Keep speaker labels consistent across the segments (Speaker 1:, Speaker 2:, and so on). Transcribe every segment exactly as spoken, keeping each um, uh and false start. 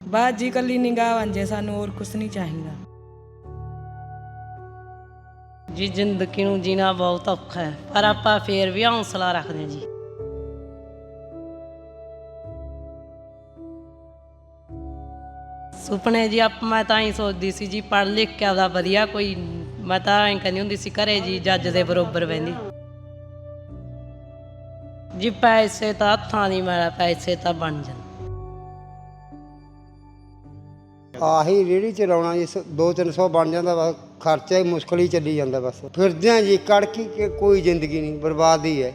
Speaker 1: बस जी कली निगाह बन जाए, सानू और कुछ नहीं चाहिए
Speaker 2: जी। जिंदगी नूं जीना बहुत औखा है, पर आपां फेर भी हौसला रखदे जी। सुपने जी आप मैं तां ही सोचदी सी जी, पढ़ लिख के आपदा वधिया कोई, मैं तां ऐं कहंदी हुंदी सी घरे जी जज दे बरोबर बहिंदी जी। पैसे तां हत्थां दी मैल, पैसे तां बन जांदे।
Speaker 3: ਆਹੀ ਰੇਹੜੀ ਚਲਾਉਣਾ ਜੀ, ਦੋ ਤਿੰਨ ਸੌ ਬਣ ਜਾਂਦਾ ਬਸ, ਖਰਚਾ ਹੀ ਮੁਸ਼ਕਲ ਹੀ ਚੱਲੀ ਜਾਂਦਾ ਬਸ। ਫਿਰਦੇ ਹਾਂ ਜੀ ਕੜਕੀ ਕਿ ਕੋਈ ਜ਼ਿੰਦਗੀ ਨਹੀਂ, ਬਰਬਾਦੀ ਹੈ।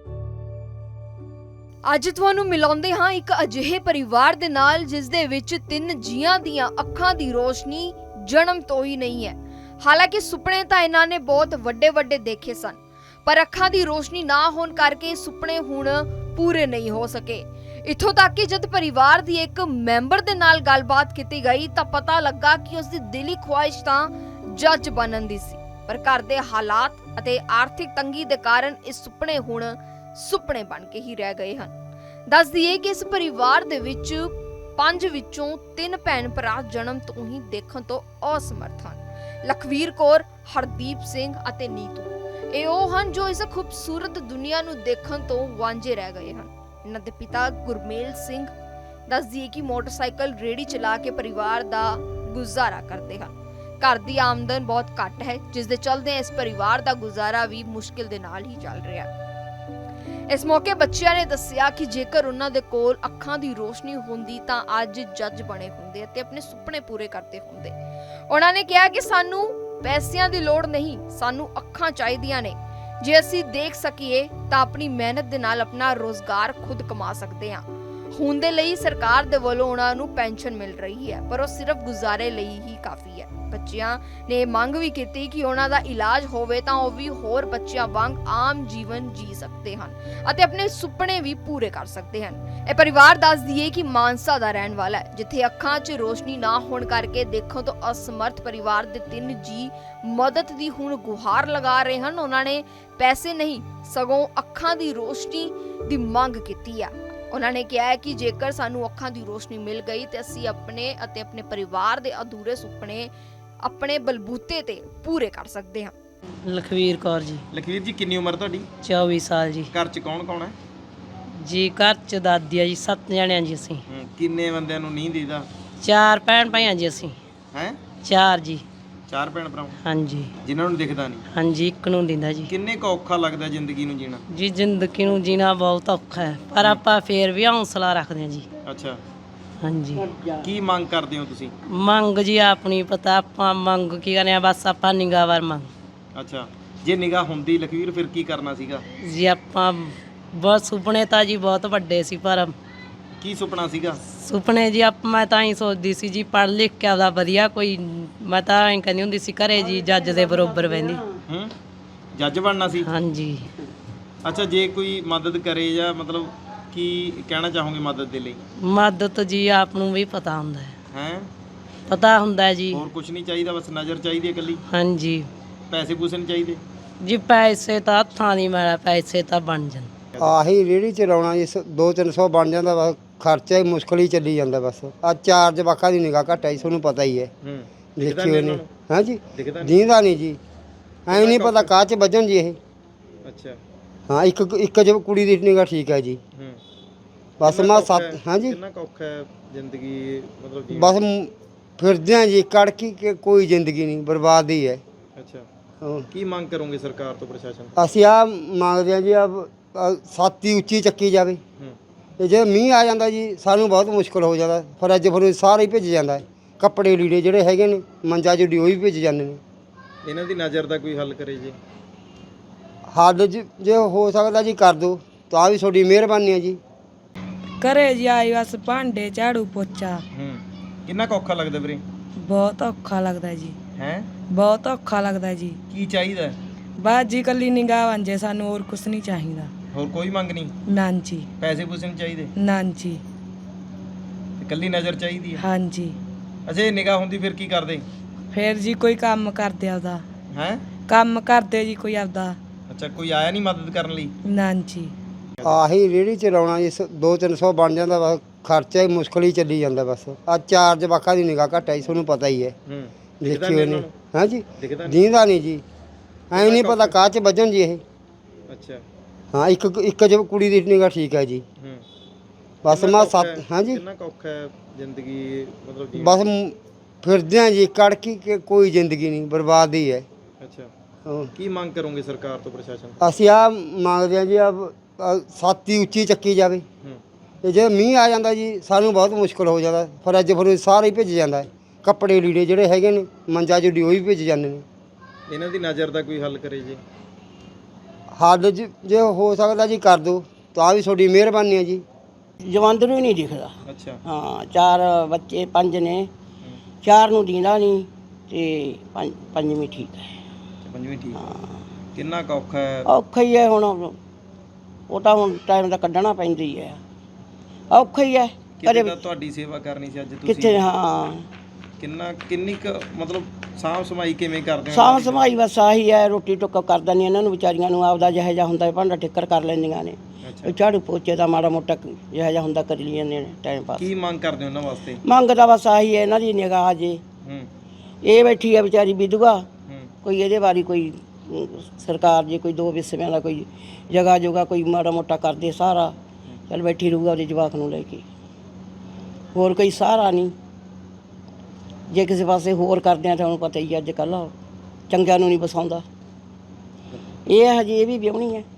Speaker 4: ਅੱਜ ਤੁਹਾਨੂੰ ਮਿਲਾਉਂਦੇ ਹਾਂ ਇੱਕ ਅਜਿਹੇ ਪਰਿਵਾਰ ਦੇ ਨਾਲ ਜਿਸ ਦੇ ਵਿੱਚ ਤਿੰਨ ਜੀਆਂ ਦੀਆਂ ਅੱਖਾਂ ਦੀ ਰੋਸ਼ਨੀ ਜਨਮ ਤੋਂ ਹੀ ਨਹੀਂ ਹੈ। ਹਾਲਾਂਕਿ ਸੁਪਨੇ ਤਾਂ ਇਹਨਾਂ ਨੇ ਬਹੁਤ ਵੱਡੇ ਵੱਡੇ ਦੇਖੇ ਸਨ, ਪਰ ਅੱਖਾਂ ਦੀ ਰੋਸ਼ਨੀ ਨਾ ਹੋਣ ਕਰਕੇ ਸੁਪਨੇ ਹੁਣ ਪੂਰੇ ਨਹੀਂ ਹੋ ਸਕੇ। ਇੱਥੋਂ ਤੱਕ ਕਿ ਜਦ ਪਰਿਵਾਰ ਦੀ ਇੱਕ ਮੈਂਬਰ ਦੇ ਨਾਲ ਗੱਲਬਾਤ ਕੀਤੀ ਗਈ ਤਾਂ ਪਤਾ ਲੱਗਾ ਕਿ ਉਸ ਦੀ ਦਿਲੀ ਖੁਆਇਸ਼ ਤਾਂ ਜੱਜ ਬਣਨ ਦੀ ਸੀ, ਪਰ ਘਰ ਦੇ ਹਾਲਾਤ ਅਤੇ ਆਰਥਿਕ ਤੰਗੀ ਦੇ ਕਾਰਨ ਇਹ ਸੁਪਨੇ ਹੁਣ ਸੁਪਨੇ ਬਣ ਕੇ ਹੀ ਰਹਿ ਗਏ ਹਨ। ਦੱਸ ਦਈਏ ਕਿ ਇਸ ਪਰਿਵਾਰ ਦੇ ਵਿੱਚ ਪੰਜ ਵਿੱਚੋਂ ਤਿੰਨ ਭੈਣ ਭਰਾ ਜਨਮ ਤੋਂ ਹੀ ਦੇਖਣ ਤੋਂ ਅਸਮਰਥ ਹਨ। ਲਖਵੀਰ ਕੌਰ, ਹਰਦੀਪ ਸਿੰਘ ਅਤੇ ਨੀਤੂ ਇਹ ਉਹ ਹਨ ਜੋ ਇਸ ਖੂਬਸੂਰਤ ਦੁਨੀਆ ਨੂੰ ਦੇਖਣ ਤੋਂ ਵਾਂਝੇ ਰਹਿ ਗਏ ਹਨ। ਇਹਨਾਂ ਦੇ ਪਿਤਾ ਗੁਰਮੇਲ ਸਿੰਘ ਦੱਸ ਦਈਏ ਕਿ ਮੋਟਰਸਾਈਕਲ ਰੇਹੜੀ ਚਲਾ ਕੇ ਪਰਿਵਾਰ ਦਾ ਗੁਜ਼ਾਰਾ ਕਰਦੇ ਹਨ। ਘਰ ਦੀ ਆਮਦਨ ਬਹੁਤ ਘੱਟ ਹੈ, ਜਿਸ ਦੇ ਚਲਦੇ ਇਸ ਪਰਿਵਾਰ ਦਾ ਗੁਜ਼ਾਰਾ ਵੀ ਮੁਸ਼ਕਿਲ ਦੇ ਨਾਲ ਹੀ ਚੱਲ ਰਿਹਾ ਹੈ। ਇਸ ਮੌਕੇ ਬੱਚਿਆਂ ਨੇ ਦੱਸਿਆ ਕਿ ਜੇਕਰ ਉਹਨਾਂ ਦੇ ਕੋਲ ਅੱਖਾਂ ਦੀ ਰੋਸ਼ਨੀ ਹੁੰਦੀ ਤਾਂ ਅੱਜ ਜੱਜ ਬਣੇ ਹੁੰਦੇ ਅਤੇ ਆਪਣੇ ਸੁਪਨੇ ਪੂਰੇ ਕਰਦੇ ਹੁੰਦੇ। ਉਹਨਾਂ ਨੇ ਕਿਹਾ ਕਿ ਸਾਨੂੰ ਪੈਸਿਆਂ ਦੀ ਲੋੜ ਨਹੀਂ, ਸਾਨੂੰ ਅੱਖਾਂ ਚਾਹੀਦੀਆਂ ਨੇ। ਜੇ ਅਸੀਂ ਦੇਖ ਸਕੀਏ ਤਾਂ ਆਪਣੀ ਮਿਹਨਤ ਦੇ ਨਾਲ ਆਪਣਾ ਰੋਜ਼ਗਾਰ ਖੁਦ ਕਮਾ ਸਕਦੇ ਹਾਂ। ਹੁਣ ਦੇ ਲਈ ਸਰਕਾਰ ਦੇ ਵੱਲੋਂ ਉਹਨਾਂ ਨੂੰ ਪੈਨਸ਼ਨ ਮਿਲ ਰਹੀ ਹੈ, ਪਰ ਉਹ ਸਿਰਫ ਗੁਜ਼ਾਰੇ ਲਈ ਹੀ ਕਾਫੀ ਹੈ। ਬੱਚਿਆਂ ਨੇ ਮੰਗ ਵੀ ਕੀਤੀ ਕਿ ਉਹਨਾਂ ਦਾ ਇਲਾਜ ਹੋਵੇ ਤਾਂ ਉਹ ਵੀ ਹੋਰ ਬੱਚਿਆਂ ਵਾਂਗ ਆਮ ਜੀਵਨ ਜੀ ਸਕਦੇ ਹਨ ਅਤੇ ਆਪਣੇ ਸੁਪਨੇ ਵੀ ਪੂਰੇ ਕਰ ਸਕਦੇ ਹਨ। ਇਹ ਪਰਿਵਾਰ ਦੱਸ ਦਈਏ ਕਿ ਮਾਨਸਾ ਦਾ ਰਹਿਣ ਵਾਲਾ ਹੈ, ਜਿੱਥੇ ਅੱਖਾਂ 'ਚ ਰੋਸ਼ਨੀ ਨਾ ਹੋਣ ਕਰਕੇ ਦੇਖਣ ਤੋਂ ਅਸਮਰਥ ਪਰਿਵਾਰ ਦੇ ਤਿੰਨ ਜੀ ਮਦਦ ਦੀ ਹੁਣ ਗੁਹਾਰ ਲਗਾ ਰਹੇ ਹਨ। ਉਹਨਾਂ ਨੇ ਪੈਸੇ ਨਹੀਂ ਸਗੋਂ ਅੱਖਾਂ ਦੀ ਰੋਸ਼ਨੀ ਦੀ ਮੰਗ ਕੀਤੀ ਹੈ। ਉਹਨਾਂ ਨੇ ਕਿਹਾ ਹੈ ਕਿ ਜੇਕਰ ਸਾਨੂੰ ਅੱਖਾਂ ਦੀ ਰੋਸ਼ਨੀ ਮਿਲ ਗਈ ਤੇ ਅਸੀਂ ਆਪਣੇ ਅਤੇ ਆਪਣੇ ਪਰਿਵਾਰ ਦੇ ਅਧੂਰੇ ਸੁਪਨੇ ਆਪਣੇ ਬਲਬੂਤੇ ਤੇ ਪੂਰੇ ਕਰ ਸਕਦੇ ਹਾਂ।
Speaker 2: ਲਖਵੀਰ ਕੌਰ ਜੀ।
Speaker 5: ਲਖਵੀਰ ਜੀ ਕਿੰਨੀ ਉਮਰ ਤੁਹਾਡੀ?
Speaker 2: ਚੌਵੀ ਸਾਲ ਜੀ।
Speaker 5: ਘਰ 'ਚ ਕੌਣ ਕੌਣ ਹੈ
Speaker 2: ਜੀ? ਘਰ 'ਚ ਦਾਦੀ ਆ ਜੀ, ਸੱਤ ਜਣਿਆਂ ਜੀ ਅਸੀਂ।
Speaker 5: ਹੂੰ, ਕਿੰਨੇ ਬੰਦਿਆਂ ਨੂੰ ਨਹੀਂ ਦੀਦਾ?
Speaker 2: ਚਾਰ ਭੈਣ ਭਾਈਆਂ ਜੀ ਅਸੀਂ।
Speaker 5: ਹੈ
Speaker 2: ਚਾਰ ਜੀ।
Speaker 5: ਚਾਰ ਭੈਣ ਭਰਾ
Speaker 2: ਹਾਂਜੀ
Speaker 5: ਜਿਨ੍ਹਾਂ ਨੂੰ ਦਿਖਦਾ ਨਹੀਂ?
Speaker 2: ਹਾਂਜੀ, ਇੱਕ ਨੂੰ ਦਿੰਦਾ ਜੀ।
Speaker 5: ਕਿੰਨੇ ਕੁ ਔਖਾ ਲੱਗਦਾ ਜ਼ਿੰਦਗੀ ਨੂੰ ਜੀਣਾ?
Speaker 2: ਜੀ ਜ਼ਿੰਦਗੀ ਨੂੰ ਜੀਣਾ ਬਹੁਤ ਔਖਾ ਹੈ, ਪਰ ਆਪਾਂ ਫੇਰ ਵੀ ਹੌਸਲਾ ਰੱਖਦੇ ਹਾਂ ਜੀ।
Speaker 5: ਅੱਛਾ,
Speaker 2: ਹਾਂਜੀ।
Speaker 5: ਕੀ ਮੰਗ ਕਰਦੇ ਹੋ ਤੁਸੀਂ?
Speaker 2: ਮੰਗ ਜੀ ਆਪਣੀ ਪਤਾ, ਆਪਾਂ ਮੰਗ ਕੀ ਕਰਨੇ ਆ, ਬਸ ਆਪਾਂ ਨਿਗਾਹ ਵਾਰ ਮੰਗ।
Speaker 5: ਅੱਛਾ, ਜੇ ਨਿਗਾਹ ਹੁੰਦੀ ਲਖਵੀਰ ਫਿਰ ਕੀ ਕਰਨਾ ਸੀਗਾ?
Speaker 2: ਜੀ ਆਪਾਂ ਬਹੁਤ ਸੁਪਨੇ ਤਾਂ ਜੀ ਬਹੁਤ ਵੱਡੇ ਸੀ, ਪਰ
Speaker 5: ਕੀ ਸੁਪਨਾ ਸੀਗਾ?
Speaker 2: ਸੁਪਨੇ ਜੀ ਆਪ ਮੈਂ ਤਾਂ ਹੀ ਸੋਚਦੀ ਸੀ ਜੀ, ਪੜ੍ਹ ਲਿਖ ਕੇ ਆਪਦਾ ਵਧੀਆ ਕੋਈ, ਮੈਂ ਤਾਂ ਐਂ ਕਹਿੰਦੀ ਹੁੰਦੀ ਸੀ ਘਰੇ ਜੀ ਜੱਜ ਦੇ ਬਰੋਬਰ ਬਹਿੰਦੀ।
Speaker 5: ਹੂੰ, ਜੱਜ ਬਣਨਾ ਸੀ?
Speaker 2: ਹਾਂਜੀ।
Speaker 5: ਅੱਛਾ, ਜੇ ਕੋਈ ਮਦਦ ਕਰੇ ਜਾਂ ਮਤਲਬ ਕੀ ਕਹਿਣਾ ਚਾਹੋਗੇ ਮਦਦ ਦੇ ਲਈ?
Speaker 2: ਮਦਦ ਜੀ ਆਪ ਨੂੰ ਵੀ ਪਤਾ ਹੁੰਦਾ ਹੈ।
Speaker 5: ਹੈ,
Speaker 2: ਪਤਾ ਹੁੰਦਾ ਹੈ ਜੀ।
Speaker 5: ਹੋਰ ਕੁਝ ਨਹੀਂ ਚਾਹੀਦਾ, ਬਸ ਨਜ਼ਰ ਚਾਹੀਦੀ ਹੈ ਇਕੱਲੀ?
Speaker 2: ਹਾਂਜੀ।
Speaker 5: ਪੈਸੇ ਪੂਸੇ ਨਹੀਂ ਚਾਹੀਦੇ?
Speaker 2: ਜੀ ਪੈਸੇ ਤਾਂ ਹੱਥਾਂ ਦੀ ਮੈਲ, ਪੈਸੇ ਤਾਂ ਬਣ ਜਾਂਦੇ।
Speaker 3: ਆਹੀ ਰੇਹੜੀ ਚਲਾਉਣਾ ਜੀ, ਦੋ ਤਿੰਨ ਸੌ ਬਣ ਜਾਂਦਾ ਬਸ, ਖਰਚਾ ਹੀ ਮੁਸ਼ਕਲ ਹੀ ਚੱਲੀ ਜਾਂਦਾ ਬਸ। ਆ ਚਾਰ ਜਵਾਕਾਂ ਦੀ ਨਿਗਾਹ ਘੱਟ ਹੈ ਜੀ, ਤੁਹਾਨੂੰ ਪਤਾ ਹੀ ਹੈ।
Speaker 5: ਹੂੰ,
Speaker 3: ਦੇਖੀ ਹੋਈ ਨਹੀਂ? ਹਾਂ ਜੀ,
Speaker 5: ਦਿਖਦਾ ਨਹੀਂ?
Speaker 3: ਦੀਂਦਾ ਨਹੀਂ ਜੀ, ਐਂ ਨਹੀਂ ਪਤਾ ਕਾਹ 'ਚ ਵੱਜਣ ਜੀ ਇਹ।
Speaker 5: ਅੱਛਾ।
Speaker 3: ਹਾਂ, ਇੱਕ ਇੱਕ ਜੋ ਕੁੜੀ ਦੀ ਨਿਗਾਹ ਠੀਕ ਹੈ ਜੀ,
Speaker 5: ਹੂੰ,
Speaker 3: ਬਸ
Speaker 5: ਕਿੰਨਾ
Speaker 3: ਮੈਂ
Speaker 5: ਕੁ ਔਖਾ
Speaker 3: ਸੱਤ।
Speaker 5: ਹੈ?
Speaker 3: ਹਾਂ ਜੀ,
Speaker 5: ਕਿੰਨਾ ਕੁ ਔਖਾ ਹੈ ਜ਼ਿੰਦਗੀ ਮਤਲਬ ਜੀਣਾ?
Speaker 3: ਬਸ ਮ- ਫਿਰਦੇ ਹਾਂ ਜੀ ਕੜਕੀ ਕਿ ਕੋਈ ਜ਼ਿੰਦਗੀ ਨਹੀਂ, ਬਰਬਾਦੀ ਹੈ।
Speaker 5: ਅੱਛਾ,
Speaker 3: ਹਾਂ।
Speaker 5: ਕੀ ਮੰਗ ਕਰੋਗੇ ਸਰਕਾਰ ਤੋਂ, ਪ੍ਰਸ਼ਾਸਨ?
Speaker 3: ਅਸੀਂ ਆ ਮੰਗਦੇ ਹਾਂ ਜੀ, ਆ ਛਾਤੀ ਉੱਚੀ ਚੱਕੀ ਜਾਵੇ।
Speaker 5: ਹੂੰ,
Speaker 3: ਤੇ ਜੇ ਮੀਂਹ ਆ ਜਾਂਦਾ ਜੀ ਸਾਨੂੰ ਬਹੁਤ ਮੁਸ਼ਕਲ ਹੋ ਜਾਂਦਾ, ਫਰਜ ਫਰੂਜ ਸਾਰੇ ਹੀ ਭਿੱਜ ਜਾਂਦਾ ਹੈ। ਕੱਪੜੇ ਲੀੜੇ ਜਿਹੜੇ ਹੈਗੇ ਨੇ ਮੰਜਾ ਜੁੜੀ ਉਹ ਵੀ ਭਿੱਜ ਜਾਂਦੇ ਨੇ।
Speaker 5: ਇਹਨਾਂ ਦੀ ਨਜ਼ਰ ਦਾ ਕੋਈ ਹੱਲ ਕਰੇ ਜੀ?
Speaker 3: ਹੱਲ ਜ- ਜੇ ਹੋ ਸਕਦਾ ਜੀ ਕਰ ਦਿਓ ਤਾਂ ਵੀ ਤੁਹਾਡੀ ਮਿਹਰਬਾਨੀ ਹੈ ਜੀ।
Speaker 1: घरे जी आई बस भांडे झाड़ू पोचा।
Speaker 5: ਹੂੰ, ਕਿੰਨਾ ਕੁ ਔਖਾ ਲੱਗਦਾ ਵੀਰੇ?
Speaker 1: बहुत औखा लगता जी,
Speaker 5: ਹੈ,
Speaker 1: बहुत औखा लगता जी।
Speaker 5: ਕੀ ਚਾਹੀਦਾ ਹੈ?
Speaker 1: बस जी कली निगाह बन जाए, सानू और कुछ नहीं चाहिए।
Speaker 5: ਹੋਰ ਕੋਈ ਮੰਗ ਨਹੀਂ?
Speaker 1: नान जी,
Speaker 5: ਪੈਸੇ ਪੂਸੇ ਨਹੀਂ ਚਾਹੀਦੇ?
Speaker 1: नान जी।
Speaker 5: ਤੇ ਇਕੱਲੀ ਨਜ਼ਰ ਚਾਹੀਦੀ ਹੈ?
Speaker 1: हाँ जी।
Speaker 5: ਅੱਛਾ, ਜੇ ਨਿਗਾਹ ਹੁੰਦੀ ਫਿਰ ਕੀ ਕਰਦੇ?
Speaker 1: फिर जी कोई काम करते आपदा,
Speaker 5: ਹੈ,
Speaker 1: काम करते जी कोई आपदा।
Speaker 5: ਅੱਛਾ, ਕੋਈ ਆਇਆ ਨਹੀਂ ਮਦਦ ਕਰਨ ਲਈ?
Speaker 1: नान जी।
Speaker 3: ਆਹੀ ਰੇਹੜੀ ਚਲਾਉਣਾ ਜੀ, ਦੋ ਤਿੰਨ ਸੌ ਬਣ ਜਾਂਦਾ ਬਸ, ਖਰਚਾ ਹੀ ਮੁਸ਼ਕਲ ਹੀ ਚੱਲੀ ਜਾਂਦਾ ਬਸ ਆ ਚਾਰ ਜਵਾਕਾਂ ਦੀ ਨਿਗਾਹ ਘੱਟ ਆਈ ਤੁਹਾਨੂੰ ਪਤਾ ਹੀ ਹੈ
Speaker 5: ਹੂੰ
Speaker 3: ਦੇਖਿਓ ਨੇ ਹਾਂ ਜੀ
Speaker 5: ਦਿਖਦਾ ਨਹੀਂ
Speaker 3: ਦੀਂਦਾ ਨਹੀਂ ਜੀ ਐ ਨਹੀਂ ਪਤਾ ਕਾਹ ਚ ਵੱਜਣ ਜੀ ਇਹ
Speaker 5: ਅੱਛਾ
Speaker 3: ਹਾਂ ਇੱਕ ਇੱਕ ਜ ਕੁੜੀ ਦੀ ਨਿਗਾਹ ਠੀਕ ਹੈ ਜੀ
Speaker 5: ਹੂੰ
Speaker 3: ਬਸ
Speaker 5: ਕਿੰਨਾ
Speaker 3: ਮੈਂ
Speaker 5: ਕੁ ਔਖਾ
Speaker 3: ਸੱਤ
Speaker 5: ਹੈ?
Speaker 3: ਹਾਂ ਜੀ
Speaker 5: ਕਿੰਨਾ ਕੁ ਔਖਾ ਹੈ ਜ਼ਿੰਦਗੀ ਮਤਲਬ ਜੀਵਨ?
Speaker 3: ਬਸ ਮ- ਫਿਰਦੇ ਆ ਜੀ ਕੜਕੀ ਕਿ ਕੋਈ ਜ਼ਿੰਦਗੀ ਨਹੀਂ ਬਰਬਾਦ ਹੀ ਹੈ
Speaker 5: ਅੱਛਾ
Speaker 3: ਹਾਂ।
Speaker 5: ਕੀ ਮੰਗ ਕਰੋਗੇ ਸਰਕਾਰ ਤੋਂ ਪ੍ਰਸ਼ਾਸਨ ਤੋਂ?
Speaker 3: ਅਸੀਂ ਆ ਮੰਗਦੇ ਆ ਜੀ ਆ ਸਾਤੀ ਉੱਚੀ ਚੱਕੀ ਜਾਵੇ
Speaker 5: ਹੂੰ
Speaker 3: ਤੇ ਜੇ ਮੀਂਹ ਆ ਜਾਂਦਾ ਜੀ ਸਾਨੂੰ ਬਹੁਤ ਮੁਸ਼ਕਲ ਹੋ ਜਾਂਦਾ ਫਰਿੱਜ ਫਰੂਜ ਸਾਰਾ ਹੀ ਭਿੱਜ ਜਾਂਦਾ ਹੈ। ਕੱਪੜੇ ਲੀੜੇ ਜਿਹੜੇ ਹੈਗੇ ਨੇ ਮੰਜਾ ਜੁੜੀ ਉਹ ਵੀ ਭਿੱਜ ਜਾਂਦੇ ਨੇ
Speaker 5: ਇਹਨਾਂ ਦੀ ਨਜ਼ਰ ਦਾ ਕੋਈ ਹੱਲ ਕਰੇ ਜੀ।
Speaker 3: ਹੱਲ ਜ- ਜੇ ਹੋ ਸਕਦਾ ਜੀ ਕਰ ਦਿਓ ਤਾਂ ਵੀ ਤੁਹਾਡੀ ਮਿਹਰਬਾਨੀ ਹੈ ਜੀ
Speaker 6: ਜਵੰਦਰੂ ਹੀ ਨਹੀਂ ਦਿਖਦਾ।
Speaker 5: ਅੱਛਾ
Speaker 6: ਹਾਂ ਚਾਰ ਬੱਚੇ ਪੰਜ ਨੇ, ਚਾਰ ਨੂੰ ਦੀਂਦਾ ਨਹੀਂ ਤੇ ਪੰਜ ਪੰਜਵੀਂ ਠੀਕ ਹੈ।
Speaker 5: ਪੰਜਵੀਂ ਠੀਕ ਕਿੰਨਾ ਕੁ ਔਖਾ ਹੈ?
Speaker 6: ਔਖਾ ਹੀ ਹੈ ਹੁਣ, ਉਹ ਤਾਂ ਹੁਣ ਟਾਈਮ ਦਾ ਕੱਢਣਾ ਪੈਂਦੀ ਹੈ, ਔਖਾ ਹੀ ਹੈ।
Speaker 5: ਕਿਤੇ
Speaker 6: ਕਦੇ
Speaker 5: ਤਾਂ ਤੁਹਾਡੀ ਸੇਵਾ ਕਰਨੀ ਸੀ ਅੱਜ
Speaker 6: ਕਿੱਥੇ
Speaker 5: ਤੁਸੀਂ
Speaker 6: ਹਾਂ
Speaker 5: ਕਿੰਨਾ ਕਿੰਨੀ ਕੁ ਮਤਲਬ ਸਾਂਭ ਸਮਾਈ ਕਿਵੇਂ ਕਰਦੇ ਹੋ
Speaker 6: ਸਾਂਭ ਸਮਾਈ ਬਸ ਆਹੀ ਹੈ, ਰੋਟੀ ਟੁੱਕ ਕਰਦਾ ਨਹੀਂ ਇਹਨਾਂ ਨੂੰ ਵਿਚਾਰੀਆਂ ਨੂੰ ਆਪਦਾ ਜਿਹੋ ਜਿਹਾ ਹੁੰਦਾ ਭਾਂਡਾ ਠਿੱਕਰ ਕਰ ਲੈਂਦੀਆਂ ਨੇ,
Speaker 5: ਅੱਛਾ
Speaker 6: ਝਾੜੂ ਪੋਚੇ ਦਾ ਮਾੜਾ ਮੋਟਾ ਜਿਹੋ ਜਿਹਾ ਹੁੰਦਾ ਕਰ ਲਈ ਜਾਂਦੇ ਨੇ ਟਾਈਮ ਪਾਸ।
Speaker 5: ਕੀ ਮੰਗ ਕਰਦੇ ਹੋ ਇਹਨਾਂ ਵਾਸਤੇ?
Speaker 6: ਮੰਗਦਾ ਬਸ ਆਹੀ ਹੈ ਇਹਨਾਂ ਦੀ ਨਿਗਾਹ ਜੇ
Speaker 5: ਹੂੰ
Speaker 6: ਇਹ ਬੈਠੀ ਹੈ ਵਿਚਾਰੀ ਵਿਧਵਾ,
Speaker 5: ਹੂੰ
Speaker 6: ਕੋਈ ਇਹਦੇ ਬਾਰੇ ਕੋਈ ਅਮ, ਸਰਕਾਰ ਜੇ ਕੋਈ ਦੋ ਵਿਸਵਿਆਂ ਦਾ ਕੋਈ ਜਗ੍ਹਾ ਜੋਗਾ ਕੋਈ ਮਾੜਾ ਮੋਟਾ ਕਰਦੇ ਸਾਰਾ ਚੱਲ ਬੈਠੀ ਰਹੂਗਾ ਉਹਦੇ ਜਵਾਕ ਨੂੰ ਲੈ ਕੇ, ਹੋਰ ਕੋਈ ਸਹਾਰਾ ਨਹੀਂ। ਜੇ ਕਿਸੇ ਪਾਸੇ ਹੋਰ ਕਰਦੇ ਆ ਤਾਂ ਉਹਨੂੰ ਪਤਾ ਹੀ ਅੱਜ ਕੱਲ੍ਹ ਚੰਗਿਆਂ ਨੂੰ ਨਹੀਂ ਬਸਾਉਂਦਾ। ਇਹ ਹਜੇ ਇਹ ਵੀ ਵਿਆਹਣੀ ਹੈ,